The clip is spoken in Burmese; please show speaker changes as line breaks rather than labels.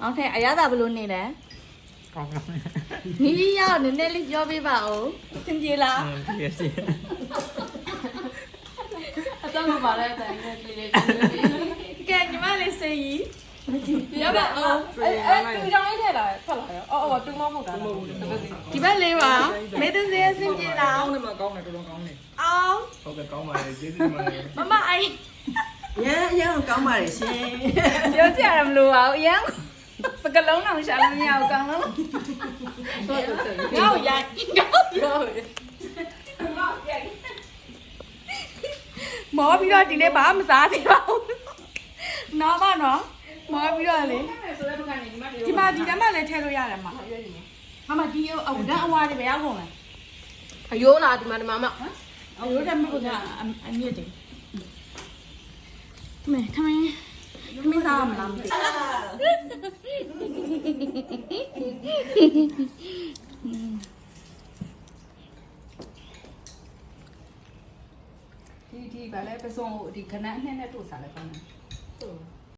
Okay အရသာဘလို့နေလဲနီးရောက်နည်းနည်းလေးပြောပေးပါဦးစင်ပြေလားပြေစီအတော့မပါလဲတိုင်းကလေးလေးကဲညီမလေးစေးကြီးရပါအောင်တူကြောင်လေးထည့်လာဖတ်လာရောအော်တူမမဟုတ်တာဒီဘက်လေးပါမေးတဲ့စေးစင်ပြေလားကောင်းတယ်မကောင်းတယ်တော်တော်ကောင်းတယ်အောင်ဟုတ်ကဲ့ကောင်းပါလေကျေးဇူးတင်ပါတယ်မမအိုင်
ရန်ကောင်းပါလေရှင်
ပြောကြရမလို့ပါဘူးအရန်စကလုံးအောင်ရှာလို့မရဘူးကောင်းလုံးငါ့ရိုက်ပြောမောပြီးတော့ဒီနေ့ဘာမစားသေးပါဘူးနော်မနော်မောပြီးတော့လေဒီမှာဒီထဲမှာလည်းထည့်လို့ရတယ်မှာဟာမဒီအဝဒအဝါတွေပဲရောက်ကုန်လားအယိုးလားဒီမှာမအယိုးတယ်မဟုတ်ကအမြင့်တယ်မဲခမင်းစားမလားမသိဒီဘာလဲပစုံဒီခဏနဲ့နဲ့တို့စားလဲကောင်းတယ်